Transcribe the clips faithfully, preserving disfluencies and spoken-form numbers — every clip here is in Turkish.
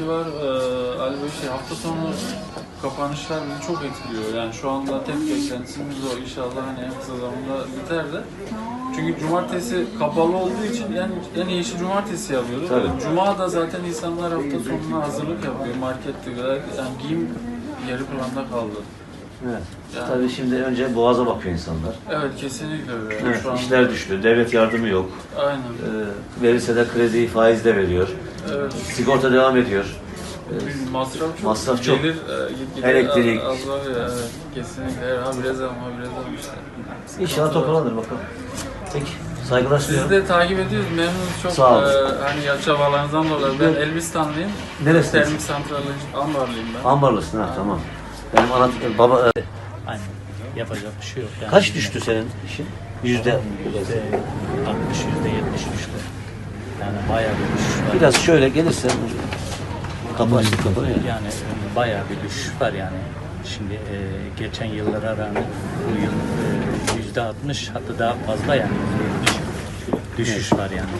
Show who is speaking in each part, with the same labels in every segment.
Speaker 1: ki var. Ee, Ali Bey şey, hafta sonu kapanışlar bizi çok etkiliyor. Yani şu anda tek beklentisimiz o. İnşallah hani en kısa zamanda biter de. Çünkü cumartesi kapalı olduğu için yani en iyi işi cumartesi yapıyoruz.
Speaker 2: Tabii.
Speaker 1: Cuma da zaten insanlar hafta sonuna hazırlık yapıyor. Markette yani giyim yarı planda kaldı.
Speaker 2: Evet.
Speaker 1: Yani.
Speaker 2: Tabii şimdi önce boğaza bakıyor insanlar.
Speaker 1: Evet, kesinlikle öyle. Yani
Speaker 2: Evet,
Speaker 1: şu anda...
Speaker 2: işler düştü, devlet yardımı yok.
Speaker 1: Aynen.
Speaker 2: Ee, verirse de krediyi faizle veriyor.
Speaker 1: Evet.
Speaker 2: Sigorta devam ediyor.
Speaker 1: Ee, masraf çok.
Speaker 2: Masraf çok.
Speaker 1: Gelir, e, gitgide
Speaker 2: Elektrik.
Speaker 1: Az, az var ya, evet. Kesinlikle. Ha biraz ama ha biraz ama işte.
Speaker 2: İnşallah toparlanır bakalım. Peki, saygılar
Speaker 1: Sizi
Speaker 2: sunuyorum.
Speaker 1: de takip ediyoruz. Memnunuz çok.
Speaker 2: Sağ olun.
Speaker 1: E, hani ya çabalarınızdan dolayı. Ben Elbistanlıyım.
Speaker 2: Neresiniz?
Speaker 1: Termik santralı Ambarlıyım ben.
Speaker 2: Ambarlısın ha, tamam. Benim ana baba... e,
Speaker 3: Aynen. Yapacak bir şey yok. Yani
Speaker 2: Kaç düştü senin işin? Yüzde...
Speaker 3: Yüzde altmış, yüzde yetmiş düştü. Yani bayağı bir düşüş var.
Speaker 2: Biraz şöyle gelirse... Kapı açtık kapı ya.
Speaker 3: Yani bayağı bir düşüş var yani. Şimdi e, geçen yıllara rağmen bu yıl e, yüzde altmış hatta daha fazla yani yüzde yetmiş düşüş var yani.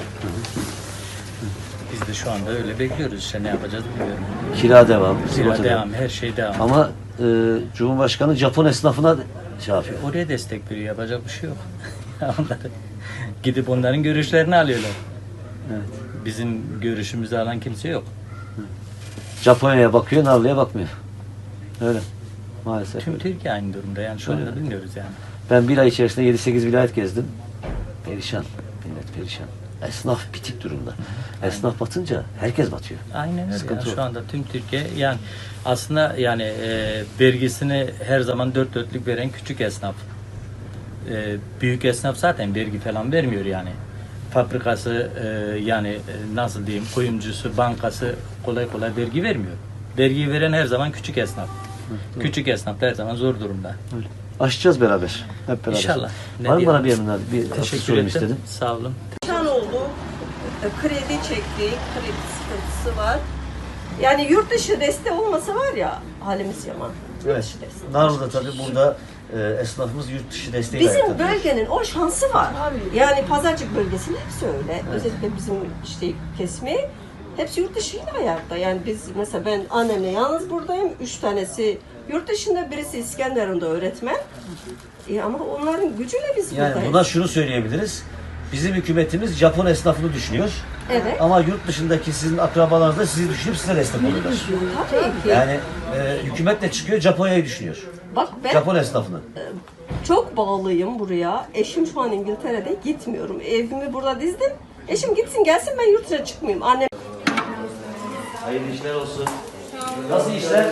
Speaker 3: Biz de şu anda öyle bekliyoruz işte ne yapacağız bilmiyorum.
Speaker 2: Kira devam.
Speaker 3: Kira
Speaker 2: sigorta
Speaker 3: devam, her şey devam.
Speaker 2: Ama e, Cumhurbaşkanı Japon esnafına şey yapıyor.
Speaker 3: Oraya destek veriyor, yapacak bir şey yok. Onları gidip onların görüşlerini alıyorlar.
Speaker 2: Evet.
Speaker 3: Bizim görüşümüzü alan kimse yok.
Speaker 2: Japonya'ya bakıyor, Narlı'ya bakmıyor. Öyle. Maalesef.
Speaker 3: Tüm
Speaker 2: öyle.
Speaker 3: Türkiye aynı durumda yani şu anda
Speaker 2: Öyle.
Speaker 3: bilmiyoruz yani.
Speaker 2: Ben bir ay içerisinde yedi sekiz vilayet gezdim. Perişan. Millet perişan. Esnaf bitik durumda. Esnaf batınca herkes batıyor.
Speaker 3: Aynen öyle.
Speaker 2: Sıkıntı
Speaker 3: Yani
Speaker 2: yok.
Speaker 3: şu anda tüm Türkiye yani aslında yani e, vergisini her zaman dört dörtlük veren küçük esnaf. E, büyük esnaf zaten vergi falan vermiyor yani. Fabrikası e, yani e, nasıl diyeyim kuyumcusu, bankası kolay kolay vergi vermiyor. Vergiyi veren her zaman küçük esnaf. Küçük esnaf da her zaman zor durumda.
Speaker 2: Öyle. Aşacağız beraber. Hep beraber.
Speaker 3: İnşallah. Ne
Speaker 2: Var mı
Speaker 3: diyelim?
Speaker 2: bana bir yanına bir
Speaker 3: Teşekkür
Speaker 2: sorayım
Speaker 3: ederim.
Speaker 2: istedim.
Speaker 3: Sağ olun.
Speaker 4: Perişan oldu. Kredi çektik, kredi sıkıntısı var. Yani yurt dışı desteği olmasa var ya halimiz yaman. Yurt
Speaker 2: Evet.
Speaker 4: dışı desteği.
Speaker 2: Narlı'da tabii burada e, esnafımız yurt dışı desteği
Speaker 4: Bizim bölgenin o şansı var. Yani Pazarcık bölgesinin hepsi öyle.
Speaker 2: Evet.
Speaker 4: Özellikle bizim işte kesimi hepsi yurt dışıyla ayakta. Yani biz mesela ben annemle yalnız buradayım. Üç tanesi yurt dışında, birisi İskenderun'da öğretmen. E ama onların gücüyle biz
Speaker 2: Yani
Speaker 4: buradayız.
Speaker 2: buna şunu söyleyebiliriz. Bizim hükümetimiz Japon esnafını düşünüyor.
Speaker 4: Evet.
Speaker 2: Ama yurt dışındaki sizin akrabalarınız da sizi düşünüp size destek oluyorlar.
Speaker 4: Tabii ki.
Speaker 2: Yani e, hükümet de çıkıyor Japonya'yı düşünüyor.
Speaker 4: Bak ben
Speaker 2: Japon esnafını.
Speaker 4: çok bağlıyım buraya. Eşim şu an İngiltere'de, gitmiyorum. Evimi burada dizdim. Eşim gitsin gelsin, ben yurt dışına çıkmayayım. Annem
Speaker 2: Hayırlı işler olsun. Nasıl işler?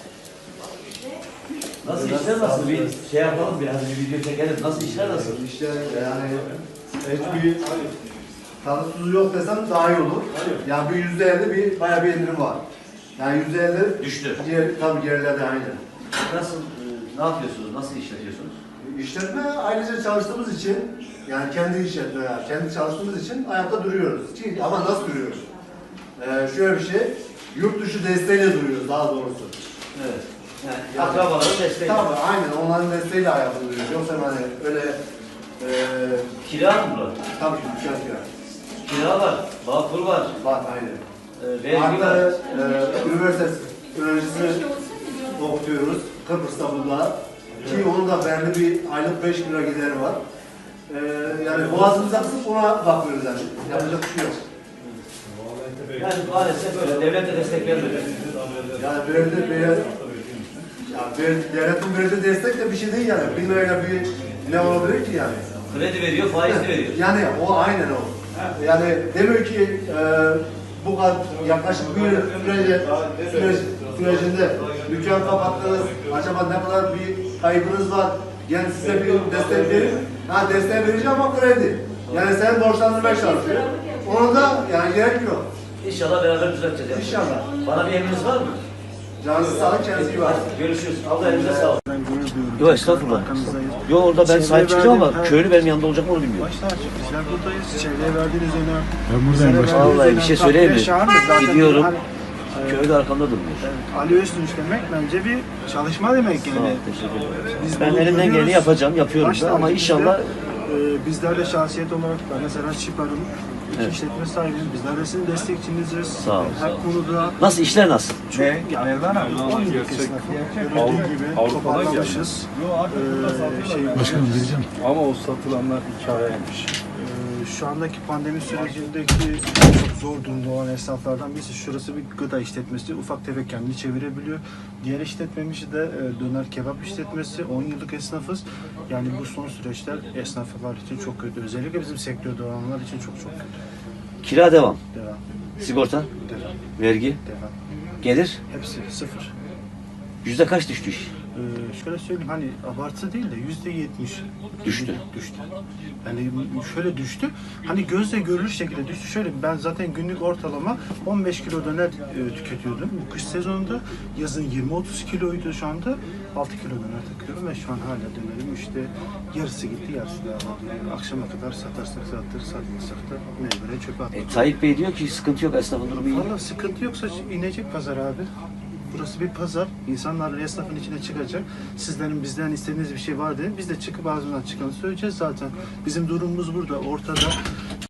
Speaker 2: Nasıl işler nasıl? Bir şey yapalım biraz, bir video çekelim. Nasıl işler nasıl?
Speaker 5: İşte yani hiçbir tanıtıcı yok desem daha iyi olur. Yani bir yüzde elli bir bayağı bir indirim var. Yani yüzde elli
Speaker 2: Düştü.
Speaker 5: Diğer, tabii gerilerde aynı.
Speaker 2: Nasıl, e, ne yapıyorsunuz? Nasıl işletiyorsunuz?
Speaker 5: İşletme ayrıca çalıştığımız için, yani kendi işletme, yani kendi çalıştığımız için ayakta duruyoruz. Çünkü- Ama nasıl duruyoruz? Ee, şöyle bir şey, yurt dışı desteğiyle duruyoruz daha doğrusu.
Speaker 2: Evet. Yani akrabaların desteği.
Speaker 5: Tabii aynen, onların desteğiyle ayakta duruyoruz. Yoksa hani öyle e,
Speaker 2: Kira mı bu?
Speaker 5: tabii ki dükkan kira.
Speaker 2: Kira var, Bağkur var,
Speaker 5: Bak aynen.
Speaker 2: e, vergi var.
Speaker 5: Artı e, üniversite öğrencisini okutuyoruz Kıbrıs'ta burada. Ki onun da belli bir aylık beş bin lira gideri var. E, yani boğazımıza kısıp ona bakıyoruz yani. Yapacak bir şey yok.
Speaker 2: Yani maalesef böyle, devlet de destek vermedi.
Speaker 5: Yani verdi, ver, yani ver, devletin verdiği destek de bir şey değil yani. Bin lirayla bir ne olabilir ki yani?
Speaker 2: Kredi veriyor, faizli veriyor.
Speaker 5: Yani o aynen o. Yani demiyor ki e, bu kadar yaklaşık bir yıl sürece, süreç, sürecinde dükkan kapattınız, acaba ne kadar bir kaybınız var, yani size bir destek verir. Ha destek vereceğim ama kredi. Yani sen borçlandırmaya çalışıyor. Ona da yani gerek yok.
Speaker 2: İnşallah beraber düzelteceğiz. Yani.
Speaker 5: İnşallah.
Speaker 2: Bana bir emriniz var mı?
Speaker 5: Canınızı sağlık, kendinize iyi bakın.
Speaker 2: Görüşürüz. Allah elinize sağlık.
Speaker 6: Ben gurur duyuyorum.
Speaker 2: Yok estağfurullah.
Speaker 6: Arkanızdayız.
Speaker 2: Yok orada ben
Speaker 6: Çevreye
Speaker 2: sahip çıkacağım ama
Speaker 6: verdiğin-
Speaker 2: köylü benim yanımda olacak mı onu bilmiyorum.
Speaker 6: Başta açık. Bizler buradayız. Çevreye verdiğiniz önem.
Speaker 7: Ben buradayım
Speaker 6: bizlere
Speaker 7: başkanım.
Speaker 6: verdiğiniz
Speaker 2: Vallahi bir
Speaker 6: önem
Speaker 2: şey
Speaker 6: takdire
Speaker 2: söyleyeyim mi?
Speaker 6: şayandır. Zaten
Speaker 2: Gidiyorum.
Speaker 6: hani, e,
Speaker 2: Köylü arkamda durmuyor.
Speaker 6: Ali Öztunç demek bence bir çalışma demek
Speaker 2: Sağ ol,
Speaker 6: yani.
Speaker 2: teşekkür ederim.
Speaker 6: Biz
Speaker 2: Ben
Speaker 6: bunu
Speaker 2: elimden geleni
Speaker 6: görüyoruz.
Speaker 2: yapacağım, yapıyorum
Speaker 6: Başta
Speaker 2: da ama
Speaker 6: bizde,
Speaker 2: inşallah
Speaker 6: e, bizler de şahsiyet olarak ben mesela Şipar'ın
Speaker 2: Evet.
Speaker 6: işletme sahibiyim. Bizler de sizin destekçiniziz.
Speaker 2: Sağ ol,
Speaker 6: Her
Speaker 2: sağ ol.
Speaker 6: konuda
Speaker 2: Nasıl işler nasıl?
Speaker 6: çok yani on yıllık esnafı görüldüğü gibi toparlamışız. Ee, şey,
Speaker 7: Başkanım diyeceğim. Ama o satılanlar hikayeymiş.
Speaker 6: Ee, Şu andaki pandemi sürecindeki çok zor durumda olan esnaflardan birisi. Şurası bir gıda işletmesi. Ufak tefek kendini çevirebiliyor. Diğer işletmemiz de e, döner kebap işletmesi. on yıllık esnafız. Yani bu son süreçler esnaflar için çok kötü. Özellikle bizim sektörde olanlar için çok çok kötü.
Speaker 2: Kira devam.
Speaker 6: Devam,
Speaker 2: Sigorta,
Speaker 6: devam,
Speaker 2: vergi,
Speaker 6: devam.
Speaker 2: gelir.
Speaker 6: Hepsi sıfır.
Speaker 2: Yüzde kaç düştü iş?
Speaker 6: Ee, şöyle söyleyeyim hani abartı değil de yüzde yetmiş
Speaker 2: Düştü.
Speaker 6: Düştü. Yani şöyle düştü. Hani gözle görülür şekilde düştü. Şöyle ben zaten günlük ortalama on beş kilo döner e, tüketiyordum. Bu kış sezonunda yazın yirmi otuz kiloydu şu anda. altı kilo döner takıyorum ve şu an hala dönerim işte yarısı gitti yarısı daha var. Akşama kadar satarsak satır satmasak da mecburen çöpe atmak.
Speaker 2: E, Tayyip Bey diyor ki sıkıntı yok, esnafın durumu iyi.
Speaker 6: Valla sıkıntı yoksa inecek pazar abi. Burası bir pazar. İnsanlar esnafın içine çıkacak. Sizlerin bizden istediğiniz bir şey var dedim. Biz de çıkıp ağzından çıkanı söyleyeceğiz zaten. Bizim durumumuz burada, ortada.